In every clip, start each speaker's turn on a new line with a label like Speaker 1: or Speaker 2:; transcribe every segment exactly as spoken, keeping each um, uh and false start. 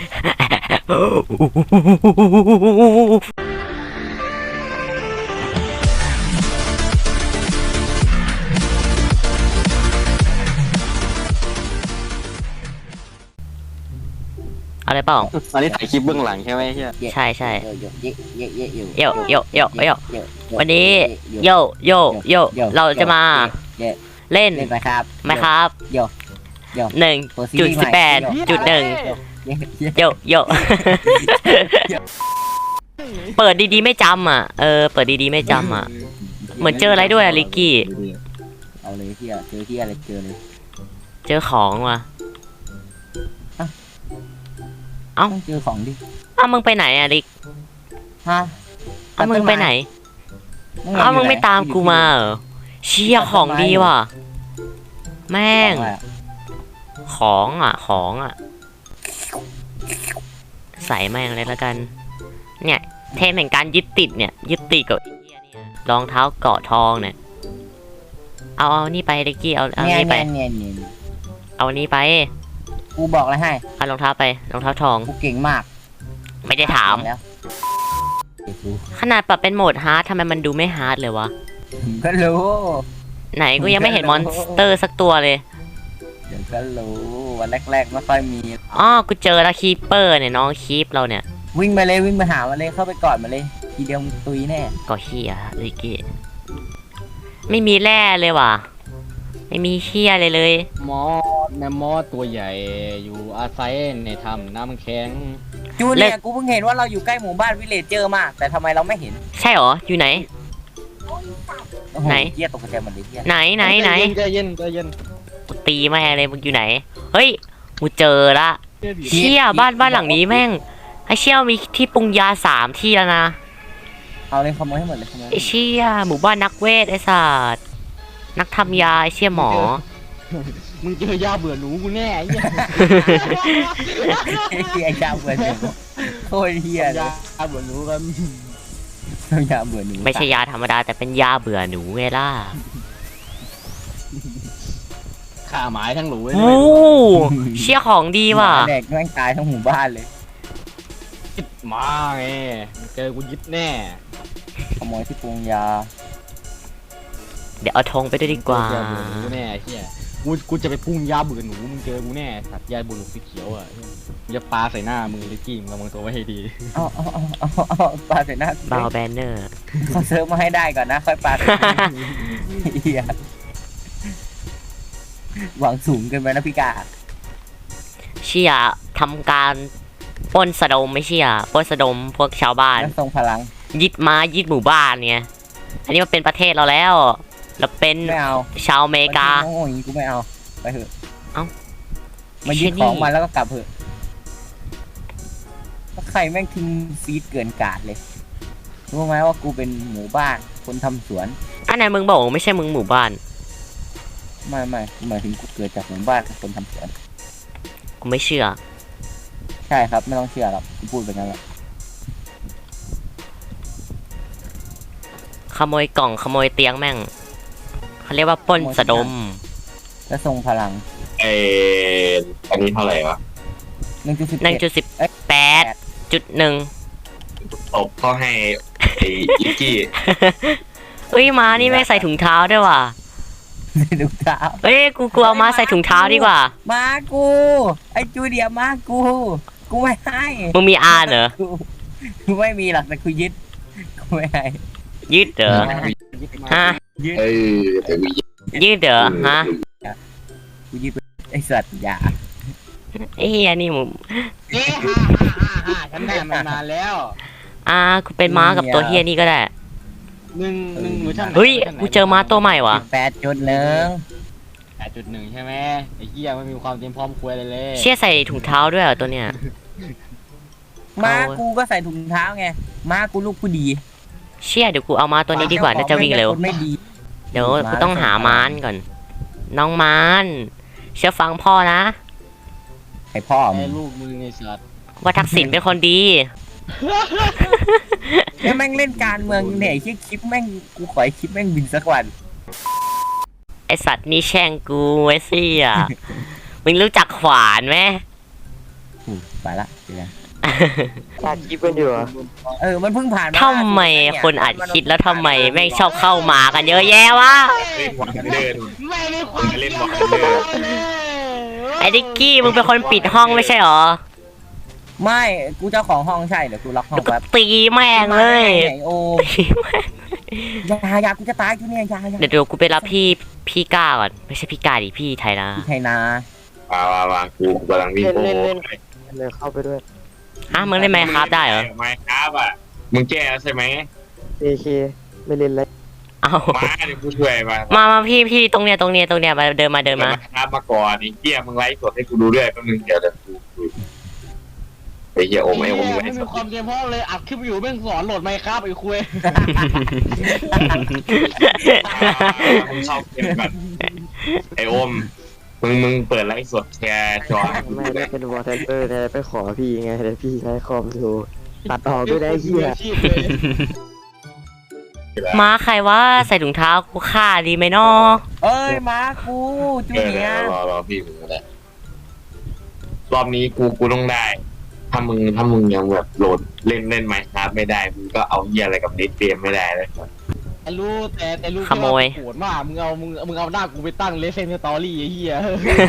Speaker 1: อะไรเปล่า
Speaker 2: ตอนนี้ถ่ายคลิปเบื้องหลังใช่ไหมเฮีย
Speaker 1: ใช่ใช่
Speaker 3: โยโยโยโยโยโย
Speaker 1: วันนี้โยโยโยเราจะมาเล่น
Speaker 3: ไหมครับ
Speaker 1: ไหมครับ
Speaker 3: โยโย
Speaker 1: หนึ่งจุดสิบแปดจุดหนึ่งโยโยเปิดดีๆไม่จำอ่ะเออเปิดดีๆไม่จำอ่ะเหมือนเจออะไรด้วยอะลิกกี้
Speaker 3: เอาเลยที่เจอที่อะไรเจอเลย
Speaker 1: เจอของว่ะเอ้า
Speaker 3: เจอของดิ
Speaker 1: อ้าวมึงไปไหนอะลิก
Speaker 3: ฮะ
Speaker 1: อ้าวมึงไปไหนอ้าวมึงไม่ตามกูมาเหรอเชี่ยของดีว่ะแม่งของอ่ะของอ่ะใส่แม่งเลยแล้วกันเนี่ยเทมแห่งการยึดติดเนี่ยยึดติดกับรองเท้าเกาะทองเนี่ยเอาเอานี่ไปลิกกี้เอาเอานี่ไปเอานี่ไป
Speaker 3: กูบอกอะไรให้
Speaker 1: เอารองเท้าไปรองเท้าทอง
Speaker 3: กูเก่งมาก
Speaker 1: ไม่ได้ถามขนาดปรับเป็นโหมดฮาร์ดทำไมมันดูไม่ฮาร์ดเลยวะ
Speaker 3: ก็รู้
Speaker 1: ไหนกูยังไม่เห็นมอนสเตอร์สักตัวเลย
Speaker 3: เดี๋ยวก็รู้วันแรกๆไม่ค่อยมี
Speaker 1: อ๋อกูเจอแล้วคีเปอร์เนี่ยน้องคีปเราเนี่ย
Speaker 3: วิ่งมาเลยวิ่งมาหามาเลยเข้าไปกอดมาเลยทีเดียวมึงตุยแน่
Speaker 1: ก็เฮียลิกกี้ไม่มีแร่เลยว่ะไม่มีเฮียเลยเลย
Speaker 2: มอสแมมมอสตัวใหญ่อยู่อาศัยในถ้ำน้ำแข็ง
Speaker 3: จูเนี่ยกูเพิ่งเห็นว่าเราอยู่ใกล้หมู่บ้านวิลเลจเจอร์มากแต่ทำไมเราไม่เห็น
Speaker 1: ใช่หรออยู่ไหนไหน
Speaker 3: เฮียตกใจหมดเลยเฮีย
Speaker 1: ไหนไหนไหน
Speaker 2: ใจเย็นใจเย็น
Speaker 1: กูตีแม่เลยมึงอยู่ไหนเฮ้ยกูเจอละเชี่ยบ้านบ้านหลังนี้แม่งไอเชี่ยมีที่ปรุงยาสามที่แล้วนะ
Speaker 3: เอาเลยขโมยให้หมดเลยขโมย
Speaker 1: ไอเชี่ยหมู่บ้านนักเวทไอศาสตร์นักทำยาไอเชี่ยหมอ
Speaker 2: มึงเจอยาเบื่อหนูกูแน่ไอ้เหี้ย
Speaker 3: ไอ้ยาเบื่อหนูโคตรเหี้ยเลย
Speaker 2: ยาเบื่อหนูกัน
Speaker 3: ยาเบื่อหนู
Speaker 1: ไม่ใช่ยาธรรมดาแต่เป็นยาเบื่อหนูไงล่ะ
Speaker 2: ฆ่าหมายทั้งหนูเลย
Speaker 1: โอ้เชี่ยของดีว่ะ
Speaker 3: แดกแม่งตายทั้งหมู่บ้านเลย
Speaker 2: ยึดมาไงเจอกูยึดแน่
Speaker 3: ขโมยที่ปรุงยา
Speaker 1: เดี๋ยวเอาธงไปด้วยดีกว่า
Speaker 2: กูแน่เฮียกูกูจะไปพุ่งยาเบื่อหนูมึงเจอกูแน่สัตว์ยาเบื่อหนูสีเขียวอ่ะอย่าปาใส่หน้ามึงลิกกี้มึงระวังตัวไว้ให้ดี
Speaker 3: เอาเอาเอาเอาปาใส่หน้า
Speaker 1: บาวแบนเนอร์
Speaker 3: เขาเซิร์ฟมาให้ได้ก่อนนะค่อยปาเฮียหวังสูงเกินไปนะพี่กา
Speaker 1: เชี่ยทำการปล้นสะดมไม่เชี่ยปล้นสะดมพวกชาวบ้าน
Speaker 3: ทรงพลัง
Speaker 1: ยึดมายึดหมู่บ้านเนี่ยอันนี้มันเป็นประเทศเราแล้วเราเป็นชาวอเมริกา
Speaker 3: โอ้ยกูไม่เอาไปเถอะ
Speaker 1: เอ้า
Speaker 3: มายึดของมาแล้วก็กลับเถอะใครแม่งทิ้งฟีดเกินกาดเลยรู้ไหมว่ากูเป็นหมู่บ้านคนทำสวน
Speaker 1: อันไหนมึงบอกไม่ใช่มึงหมู่บ้าน
Speaker 3: ไม่ไม่หมายถึงกูเกิดจากหมู่บ้านคนทำสวน
Speaker 1: กูไม่เชื่อ
Speaker 3: ใช่ครับไม่ต้องเชื่อหรอกกูพูดแบบนั้นแหละ
Speaker 1: ขโมยกล่องขโมยเตียงแม่งเขาเรียกว่าปล้นสะดม
Speaker 3: และทรงพลัง
Speaker 4: เอออันนี้เท่าไหร่วะ
Speaker 3: หนึ่งจุดสิบ
Speaker 1: หนึ่งจุดสิบแปดจุดหนึ่ง
Speaker 4: ตบเขาให้ไอ้ลิกกี้
Speaker 1: เฮ้ยม้านี่ไม่ใส่ถุงเท้าด้วยว่ะ
Speaker 3: ถุงเท้า
Speaker 1: เฮ้ยกูกลัวม้าใส่ถุงเท้าดีกว่า
Speaker 3: ม้ากูไอ้จูเดียม้ากูกูไม่ให้
Speaker 1: มึงมีอาเหรอ
Speaker 3: กูไม่มีหรอกแต่กูยึดกูไม่ให้
Speaker 1: ยืดเหรอฮะ
Speaker 4: เออแต่มี
Speaker 1: ยืดเหรอฮะ
Speaker 3: กูยืดไอสัตว์ยา
Speaker 1: ไอ้เฮียนี่มึง
Speaker 2: เอ๊ะฮ่าฮ่าฮ่าฉันได้มานานแล้ว
Speaker 1: อ่ากูเป็นม้ากับตัวเฮียนี่ก็ได้
Speaker 2: หนึ่งหนึ่งมือท่าน
Speaker 1: เฮ้ยกูเจอม้าตัวใหม่ว่ะ
Speaker 3: แปดจุดหนึ่ง
Speaker 2: แปดจุดหนึ่งใช่ไหมไอ้เฮียไม่มีความเตรียมพร้อมคุยเลยเลย
Speaker 1: เชี่ยใส่ถุงเท้าด้วยเหรอตัวเนี้ย
Speaker 3: ม้ากูก็ใส่ถุงเท้าไงม้ากูลูกผู้ดี
Speaker 1: เชี่ยเดี๋ยวกูเอาม้าตัวนี้ดีกว่าน่าจะวิ่งเร็วเดี๋ยวกูต้องหาม้านก่อนน้องม้านเชื่อฟังพ่อนะ
Speaker 3: ไอพ่อ
Speaker 2: ไอลูกมือไงสัตว์
Speaker 1: ว่าทักษิณเป็นคนดี
Speaker 3: แม่งเล่นการเมืองเนี่ยไอ้คลิปแม่งกูขอไอ้คลิปแม่งบินสักวัน
Speaker 1: ไอสัตว์นี่แช่งกูไอ้ซี่อ่ะมึงรู้จักขวานไหม
Speaker 3: อืมไปละเดี๋ยวนะ
Speaker 5: ตัดคลิปกันอยู่เหรอ
Speaker 3: เออมันเพิ่งผ่านมา
Speaker 1: ทำไมคนอัดคลิปแล้วทำไมแม่งชอบเข้ามากันเยอะแยะวะ
Speaker 4: เล่นวันเดิน
Speaker 2: ไม่ได้ค
Speaker 4: มึ
Speaker 2: วาง ม
Speaker 4: จะเล่นวันเดิน
Speaker 1: ไอ้ดิกกี้มึงเป็นคนปิดห้องไม่ใช่หรอ
Speaker 3: ไม่กูเจ้าของห้องใช่เดี๋ยวกูล็อกห้อง
Speaker 1: เดี๋ยวก็
Speaker 3: แป๊บ
Speaker 1: ตีแม่งเลย
Speaker 3: ไอ้โอ
Speaker 1: ตีแม่ง
Speaker 3: ยายากูจะตายกูเนี่ยยายา
Speaker 1: เดี๋ยวเดี๋ยวกูไปรับพี่พี่ก้าก่อนไม่ใช่พี่ก้าดิพี่ไทยนะ
Speaker 3: พี่ไทยนา
Speaker 4: มามามากูกำลังวิ่งโอ้
Speaker 5: เลยเข้าไปด้วย
Speaker 1: ฮะมึงเล่นไมค์ครับได้เหรอ
Speaker 4: ไม่ครับอ่ะมึงแก้แล้วใช่ไหม
Speaker 5: เอเคไม่เล่นเลย
Speaker 1: เอา
Speaker 4: มาเดี๋ยวกูช่วยมา
Speaker 1: มามาพี่พี่ตรงเนี้ยตรงเนี้ยตรงเนี้ยมาเดินมาเดินมา
Speaker 4: ครับมาก่อนไอ้เหี้ยมึงไลฟ์สดให้กูดูด้วยแป๊บนึงเดี๋ยวเดี๋ยวกูดูไอ้เหี้ยโอมไอ้โอมไล
Speaker 2: ไม่
Speaker 4: ฟ์ส
Speaker 2: มี
Speaker 4: ด
Speaker 2: ความเต็มห้องเลยอัดคลิปอยู่แม่งสอนโหลดไมค์ครับไอ้คุย
Speaker 4: มึงเข้าเกมก่อนไอ้โอมมึงมึงเปิดไลฟ์สดแชร์จอให้กู
Speaker 5: ไม่
Speaker 4: ดู
Speaker 5: ได้
Speaker 4: ด้วย
Speaker 5: เป็นวอลเทนเตอร์แต่ไปขอพี่ไงแต่พี่ใช้คอมดูตัดออกด้วยได้เฮีย
Speaker 2: ชีพเลย
Speaker 1: มาใครว่าใส่ถุงเท้ากูฆ่าดีไหมนอ
Speaker 3: เอ้ยมากูจู
Speaker 4: เออ
Speaker 3: เนียร์
Speaker 4: รอรอพี่มึงก็ได้รอบนี้กูกูต้องได้ ถ้ามึงถ้ามึงยังแบบโหลดเล่นเล่นไมค์ครับไม่ได้มึงก็เอาเหี้ยอะไรกับเน็ตเกมไม่ได้เลย
Speaker 2: แต่รู้แต่แต่รู้
Speaker 1: ขโมย
Speaker 2: โหดมากมึงเอามึงมึงเอาหน้ากูไปตั้งเลเซนสตอรี่ไอ้เหี้ย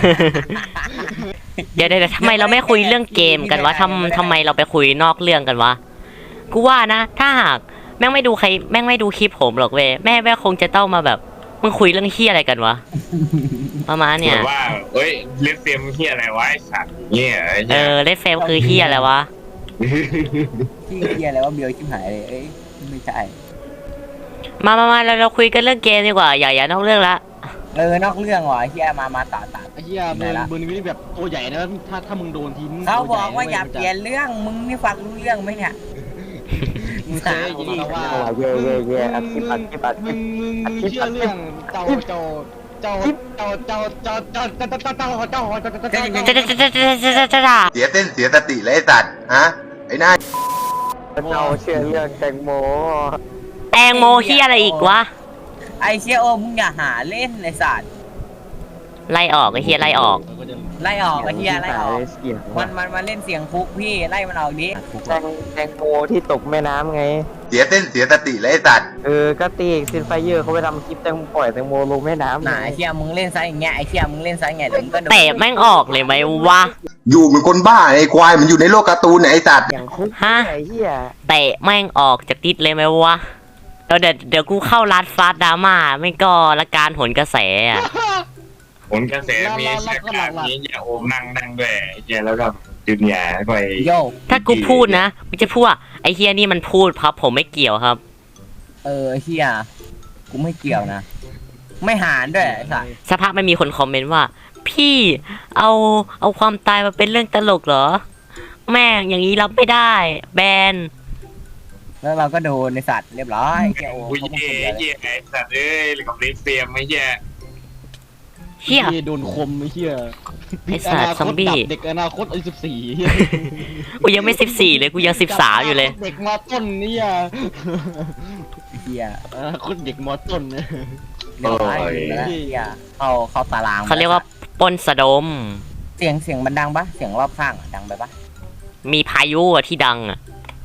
Speaker 1: เดี๋ยวเดี๋ยวทำไมเราไม่คุยเรื่องเกมกันวะทำทำไมเราไปคุยนอกเรื่องกันวะกูว่านะ ถ้าหากแม่งไม่ดูใครแม่งไม่ดูคลิปผมหรอกเว้ยแม่แม่คงจะต้องมาแบบมึงคุยเรื่องเฮียอะไรกันวะประมาณเนี่ย
Speaker 4: แบบว่าเอ้ยเล่นเกมเหี้ยอะไรวะไอ้สัตว์เงี้ยไอ้
Speaker 1: เอ
Speaker 4: เหี้ย
Speaker 1: อเล่นเฟรมคือเฮียอะไรวะ
Speaker 3: ที่เฮียอะไรว่าเบียวชิบหายเลยเอ้ยไม่ใช่
Speaker 1: มามามาเราเราคุยกันเรื่องเกมดีกว่าอย่าอย่านอกเรื่องละ
Speaker 3: เออนอกเรื่องว่ะเฮียมามาต่อต่อ
Speaker 2: ไอ้เหี้ยมึงมึงนี่แบบตัวใหญ่นะถ้าถ้ามึงโดนทีมึง
Speaker 3: เขาบอกว่าอย่าเปลี่ยนเรื่องมึงนี่ฟังรู้เรื่องไหมเนี่ย
Speaker 2: มึงเคยยินแล้วว่า
Speaker 5: เย่เย่เย่อัดคลิปอัดคลิปอัดค
Speaker 2: มึ
Speaker 5: ลิป
Speaker 2: งมึงมึงเชื่อเรื่องเจ้าเจ้าเจ้าเจ้าเจ้าเจ้าเจ้าเจ้าเจ้าเจ้าเจ้าเจ้าเจ้าเจ้า
Speaker 1: จะจะจะจะจะจะจะจะ
Speaker 6: เสียเส้นเสียสติเลยไอ้สัตว์ฮะไอ้หน้า
Speaker 5: เราเชื่อเรื่องแตงโม
Speaker 1: แตงโมเฮียอะไรอีกวะ
Speaker 3: ไอเชียโอมึงอย่าหาเล่นไอสัตว์
Speaker 1: ไล่ออกไอ้เฮียไล่ออก
Speaker 3: ไล่ออกไอเฮียไล่ออก
Speaker 5: เสียง
Speaker 3: มันมันมาเล่นเสียงคุกพี่ไล่มันออกดิ
Speaker 5: แตงแตงโมที่ตกแม่น้ำไง
Speaker 6: เสียเส้นเสียสติเลยไอ้สัตว์
Speaker 5: เออก็ตีกซินไฟเยอร์เขาไปทำคลิปแตงปล่อยแตงโมลงแม่น้ำ
Speaker 3: หนาไอเชียมึงเล่นไซส์อย่างเงี้ยไอเชียมึงเล่นไซส์อย่างเงี้ยเดี๋ยวมึงก็โดน
Speaker 1: เตะแม่งออกเลยไหมวะ
Speaker 6: อยู่เหมือนคนบ้าไอ้ควายมันอยู่ในโลกการ์ตูนเนี่ยไอ้สัตว์
Speaker 5: อย่างคุก
Speaker 1: ฮะ
Speaker 5: ไอ้เหี้ย
Speaker 1: เตะแม่งออกจากดิสเลยไหมวะเดี๋ยวเดี๋ยวเดี๋ยวกูเข้ารัดฟาดดราม่าไม่ก็ละการผลกระแสอะ
Speaker 4: ผลกระแสมีแค่การนี้อย่าโอมนั่งนั่งด้วยไอ้เหี้ยแล้วก็จูเนียร์ไป
Speaker 3: โย
Speaker 1: ถ้ากูพูดนะมึงจะพูดว่าไอ้เฮียนี่มันพูดครับ ผมไม่เกี่ยวครับ
Speaker 3: เออไอเชียกูไม่เกี่ยวนะ ไม่หารด้วยไอสัตว์
Speaker 1: สักพักไม่มีคนคอมเมนต์ว่า พี่เอาเอาความตายมาเป็นเรื่องตลกเหรอ แม่งอย่างนี้รับไม่ได้ แบน
Speaker 3: แล้วเราก็โดนในสัตว์เรียบร้อยไอเชียโอ
Speaker 4: กู
Speaker 3: เขาพูด
Speaker 4: เย่
Speaker 3: คนเดียวเลย
Speaker 4: เย่ไอ้สัตว์เอ้ยกับเลสเซียมไอ้เหี้ย
Speaker 1: เฮีย
Speaker 2: โดนคมไอ้เหี้ย
Speaker 1: ไอ้สัตว์ซอมบี้
Speaker 2: เด็กอนาคตอายุสิบสี่
Speaker 1: กูยังไม่สิบสี่เลยกูยังสิบสามอยู่เลย
Speaker 2: เด็กมอต้นนี่อ่ะ
Speaker 3: ไอเชีย
Speaker 2: อนาคตเด็กมอต้นเนี่ย
Speaker 3: เรียบร้อยแล้วไอเชียเข้าเข้าตาราง
Speaker 1: เขาเรียกว่าปล้นสะดม
Speaker 3: เสียงเสียงมันดังปะเสียงรอบข้างอะดังไปปะ
Speaker 1: มีพายุอะที่ดังอะ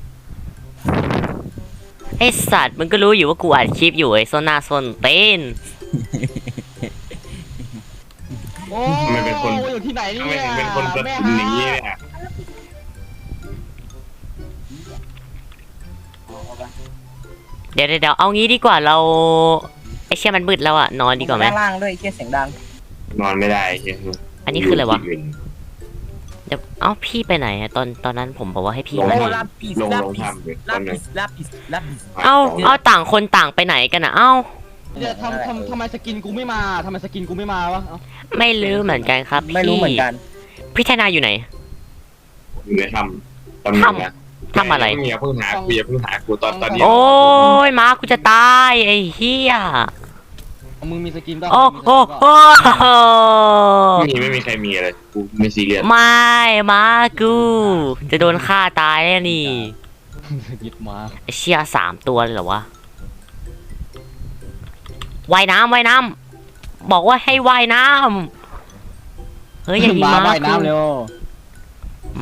Speaker 1: ไอสัตว์มึงก็รู้อยู่ว่ากูอัดคลิปอยู่ไอโซนาโซนเต้น
Speaker 2: โอ้
Speaker 4: ทำไมเป็นคน
Speaker 2: อยู่ที่ไหนเนี่
Speaker 4: ทำไม
Speaker 2: ย
Speaker 4: ถึงเป็นคนกระตุ้นอย่างนี้เนี่ย
Speaker 1: เดี๋ยวเดี๋ยวเดี๋ยวเอางี้ดีกว่าเราไอเชี่ยมันมืดแล้วอะนอนดีกว่าไหม
Speaker 3: ด้านล่างด้วยไอเชียเสียงดัง
Speaker 4: นอนไม่ได้เหี้ย
Speaker 1: อันนี้คืออะไรวะเดี๋ยวเอ้าพี่ไปไหนอะตอนตอนนั้นผมบอกว่าให้พี่
Speaker 4: ลง
Speaker 1: มา
Speaker 3: โอ้
Speaker 1: นี่
Speaker 3: ลาปิส
Speaker 4: ลง
Speaker 3: ลา
Speaker 4: ลง
Speaker 3: ปิส
Speaker 4: ทำเลย
Speaker 3: ลา
Speaker 4: ตอน
Speaker 3: ปิ
Speaker 4: นั้น
Speaker 3: สลาปิสลาปิส
Speaker 1: เอ้าเอาต่างคนต่างไปไหนกันอะเอ้า
Speaker 2: เดี๋ยวทำทำทำไมสกินกูไม่มาทำไมสกินกูไม่มาวะเอ้า
Speaker 1: ไม่รู้เหมือนกันครับพี่
Speaker 3: ไม่รู้เหมือนกัน
Speaker 1: พี่ธนาอยู่ไหน
Speaker 4: อยู่ในทำตำแหน่งนะ
Speaker 1: ทำอะไร
Speaker 4: อย่าเพิ่งหากูอย่าเพิ่งหากูตอนตอนนี้
Speaker 1: โอ้ยมากูจะตายไอ้เหี้ย
Speaker 2: มึงมีสกินป่ะ
Speaker 1: โอ้โอ้โอ้
Speaker 4: ไม่มีไม่มีใครมีอะไรกูไม่ซีเรียส
Speaker 1: ไม่มากูจะโดนฆ่าตายแล้วนี่
Speaker 2: หยิบมา
Speaker 1: ไอเชี่ยสามตัวเลยเหรอวะว่ายน้ำว่ายน้ำบอกว่าให้ว่ายน้ำเฮ้ยอย่ายิง
Speaker 2: มา
Speaker 1: มา
Speaker 2: ว่ายน้ำเร็ว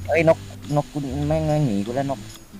Speaker 3: เอ้ยนกนกกูแม่งหนีกูแล้วนก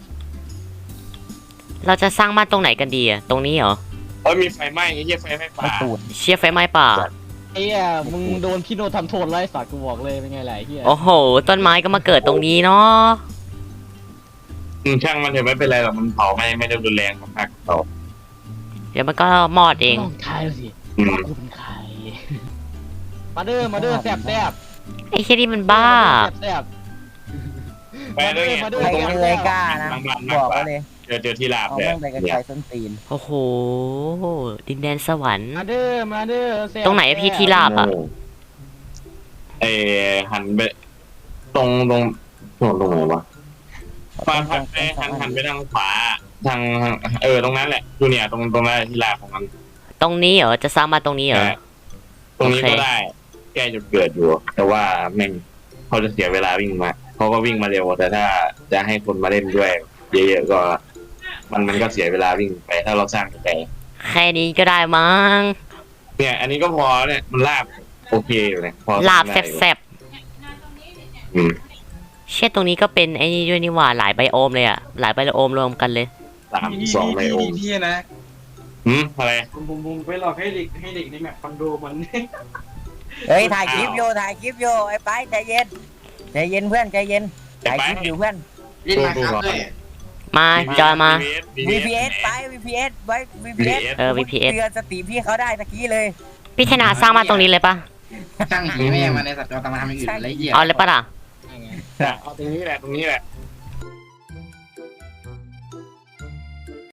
Speaker 1: เราจะสร้างบ้านตรงไหนกันดีอะตรงนี้เหรอ
Speaker 4: เอ้ยมีไฟไหม้ไอ้เหี้ยไฟไหม้ป่า
Speaker 3: ไม่ตูด
Speaker 1: เชี่ยไฟไหม้ป่า
Speaker 2: ไอ้เหี้ยมึงโดนพี่โนทำโทษไล่สัตว์กูบอกเลยเป็นไงล่ะไอ้เหี้ย
Speaker 1: โอ้โห ต้นไม้ก็มาเกิดตรงนี้เนาะ
Speaker 4: อืมช่างมันเถอะไม่เป็นไรหรอกมันเผาไม่ไม่ได้รุนแรงมากเผา
Speaker 1: เดี๋ยวมันก็มอดเอง
Speaker 2: ต้องทายสิ
Speaker 4: อืม
Speaker 2: ว่ากูเป็นใครมาเด้อมาเด้อแซ่บแซ่บ
Speaker 1: ไอ้เชี่ยนี่มันบ้า
Speaker 2: แซ่บ
Speaker 4: ไปเลยไง
Speaker 2: มาด้
Speaker 3: ใคร
Speaker 2: มา
Speaker 3: จะเลยกล้านะ
Speaker 4: บางบ้าน
Speaker 3: บ
Speaker 4: มาก
Speaker 3: อก
Speaker 4: กว่า
Speaker 3: ไว้เลย
Speaker 4: เจอเจอที่ลาบ
Speaker 3: เอา
Speaker 4: เลย
Speaker 3: แม่งไปกันไกลส้นตีน
Speaker 1: โอ้โห ดินแดนสวรรค์
Speaker 2: มาเด้อมาเด้อแซ่บ
Speaker 1: ตรงไหนอะพี่ที่ลาบอะ
Speaker 4: เออหันไปตรงตรงตรงตรงไหนวะฟันหันไปหันหันไปทางขวาทางทางเออตรงนั้นแหละดูเนี่ยตรงตรงนั้นที่ลาบของมัน
Speaker 1: ตรงนี้เหรอ จะสร้างบ้านตรงนี้เหรอ
Speaker 4: ตรงนี้
Speaker 1: โอเค
Speaker 4: ก็ได้แกจุดเกิดอยู่ แต่ว่าแม่งเขาจะเสียเวลาวิ่งมาเขาก็วิ่งมาเร็วแต่ถ้าจะให้คนมาเล่นด้วยเยอะๆก็ มันมันก็เสียเวลาวิ่งไปถ้าเราสร้างไกล
Speaker 1: แค่นี้ก็ได้มั้ง
Speaker 4: ๆเนี่ย อันนี้ก็พอเนี่ยมันลาบโอเคอยู่เนี่ยพอ
Speaker 1: ลาบ
Speaker 4: สร้งได้อยู่
Speaker 1: แซ่บ
Speaker 4: อืม
Speaker 1: ๆเชี่ยตรงนี้ก็เป็นไอ้นี่ด้วยนี่หว่า หลายไบโอมเลยอะหลายไบโอมรวมกันเลย
Speaker 4: สามสองไบโอม
Speaker 7: พี่นะ
Speaker 4: หืมอะไร
Speaker 7: ผมผมผมไปหลอกให้เด็กให้เด็กในแมปคอนโดมัน
Speaker 3: เฮ้ยถ่ายคลิปโยถ่ายคลิปโยไอ้ไปใจเย็นใจเย็นเพื่อนใจเย็นถ่ายคลิปอยู่เพื่อน
Speaker 7: เล่นมาครับเลย
Speaker 1: มาจอยมา
Speaker 3: วี พี เอส ไป วี พี เอส ไว้ วี พี เอส
Speaker 1: เออ วี พี เอส
Speaker 3: เตือนสติพี่เขาได้ตะกี้เลย
Speaker 1: พี่ธนาสร้างบ้านตรงนี้เลยปะ
Speaker 7: ช่างหีแม่มาในสัตว์เราทำมาทำอย่างอื่นอะไรเหี้ย
Speaker 1: เอาเลยปะล่ะ
Speaker 4: เอาตรงนี้แหละตรงนี้แหละ